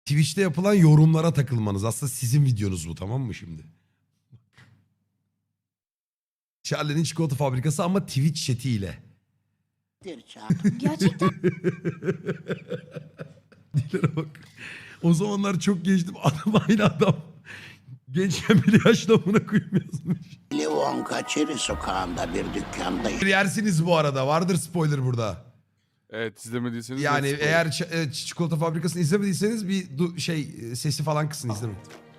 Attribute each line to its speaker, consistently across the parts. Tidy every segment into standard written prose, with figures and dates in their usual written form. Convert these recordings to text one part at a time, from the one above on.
Speaker 1: Twitch'te yapılan yorumlara takılmanız. Aslında sizin videonuz bu, tamam mı şimdi? Charlie'nin çikolata fabrikası ama Twitch chat'iyle.
Speaker 2: Gerçekten
Speaker 1: Dilere bak. O zamanlar çok gençtim. Adam aynı adam. Gençken bile yaşlı amına koyayım yazmış.
Speaker 3: Livonka Çeri sokağında bir dükkanda
Speaker 1: Yersiniz bu arada. Vardır spoiler burada.
Speaker 4: Evet, izlemediyseniz
Speaker 1: Yani
Speaker 4: net
Speaker 1: eğer çikolata fabrikasını izlemediyseniz bir sesi falan kısın, izlemeyin.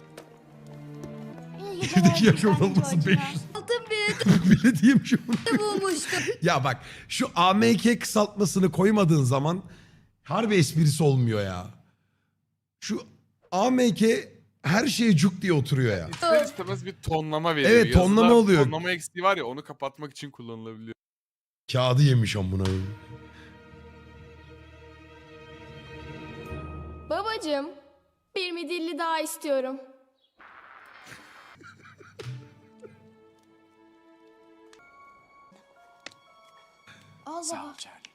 Speaker 1: Şuradaki yaş ortalaması 500.
Speaker 2: altın bir
Speaker 1: Belediye şu an.
Speaker 2: bulmuştum.
Speaker 1: Ya bak, şu AMK kısaltmasını koymadığın zaman harbi esprisi olmuyor ya. Şu AMK her şeye cuk diye oturuyor ya.
Speaker 4: İster istemez bir tonlama veriyor.
Speaker 1: Evet, tonlama
Speaker 4: Yazılar,
Speaker 1: oluyor.
Speaker 4: Tonlama eksiği var ya, onu kapatmak için kullanılabiliyor.
Speaker 1: Kağıdı yemiş amına.
Speaker 5: Babacığım, bir midilli daha istiyorum.
Speaker 2: Al baba.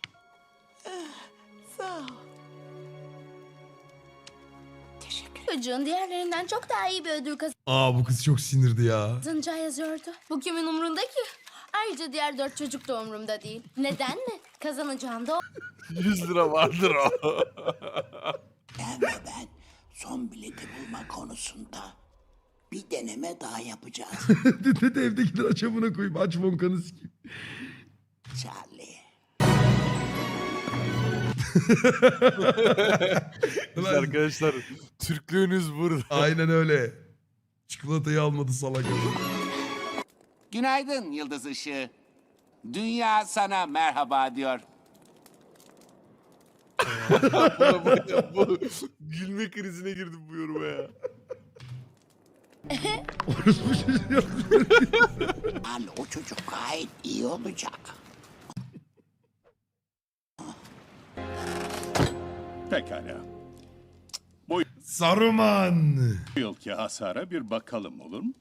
Speaker 2: Çocuğun diğerlerinden çok daha iyi bir ödül
Speaker 1: Aa, bu kız çok sinirdi ya.
Speaker 2: kazanacağı yazıyordu. Bu kimin umrunda ki? Ayrıca diğer 4 çocuk da umrumda değil. Neden mi? Kazanacağım da
Speaker 4: 100 lira vardır o.
Speaker 3: Sen ve ben son bileti bulma konusunda bir deneme daha yapacağız
Speaker 1: Dedi evdekiler aç amına koyayım. Aç vonkanı sikeyim.
Speaker 3: Charlie.
Speaker 4: Biz arkadaşlar, Türklüğünüz burada.
Speaker 1: Aynen öyle. Çikolatayı almadı salak.
Speaker 6: Günaydın Yıldız Işığı. Dünya sana merhaba diyor.
Speaker 4: bu gülme krizine girdim bu yoruma ya.
Speaker 3: Al, o çocuk gayet iyi olacak.
Speaker 7: Pekala.
Speaker 1: Saruman.
Speaker 7: Bu yılki hasara bir bakalım olur mu?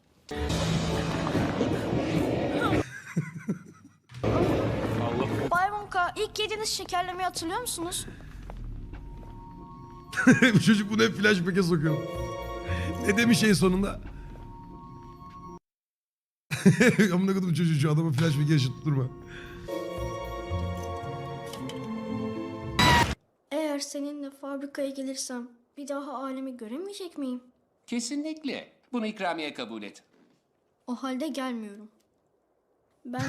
Speaker 2: Bay Wonka, ilk yediğiniz şekerlemeyi hatırlıyor musunuz?
Speaker 1: Bu çocuk bunu hep flashback'e sokuyor. Ne demiş en sonunda? Amına koydum çocuğu, şu adamı flashback'e yaşatırma.
Speaker 5: Eğer seninle fabrikaya gelirsem bir daha alemi göremeyecek miyim?
Speaker 6: Kesinlikle. Bunu ikramiye kabul et.
Speaker 5: O halde gelmiyorum. Ben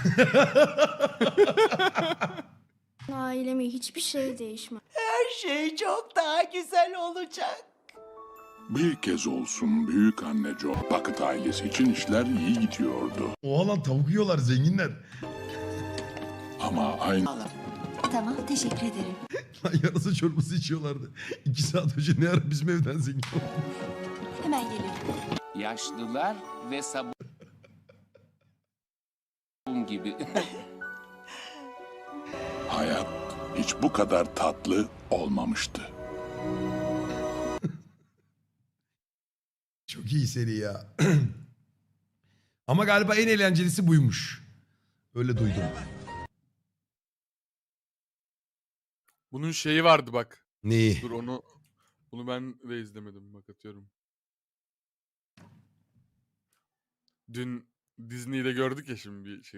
Speaker 5: ailemi hiçbir şey değişmez.
Speaker 3: Her şey çok daha güzel olacak.
Speaker 8: Bir kez olsun büyük anne Joe Bucket ailesi için işler iyi gidiyordu.
Speaker 1: Oha lan, tavuk yiyorlar zenginler.
Speaker 8: Ama aynı
Speaker 2: Tamam, teşekkür ederim.
Speaker 1: Lan yarasa çorbası içiyorlardı. 2 saat önce ne ara bizim evden zengin oldu.
Speaker 2: Hemen geliyorum.
Speaker 6: Yaşlılar ve sabun gibi.
Speaker 8: hayat hiç bu kadar tatlı olmamıştı.
Speaker 1: Çok iyi seri ya. Ama galiba en eğlencelisi buymuş. Öyle duydum.
Speaker 4: Bunun şeyi vardı bak.
Speaker 1: Neyi?
Speaker 4: Dur bunu ben de izlemedim, bak atıyorum. Dün Disney'de gördük ya şimdi bir şey.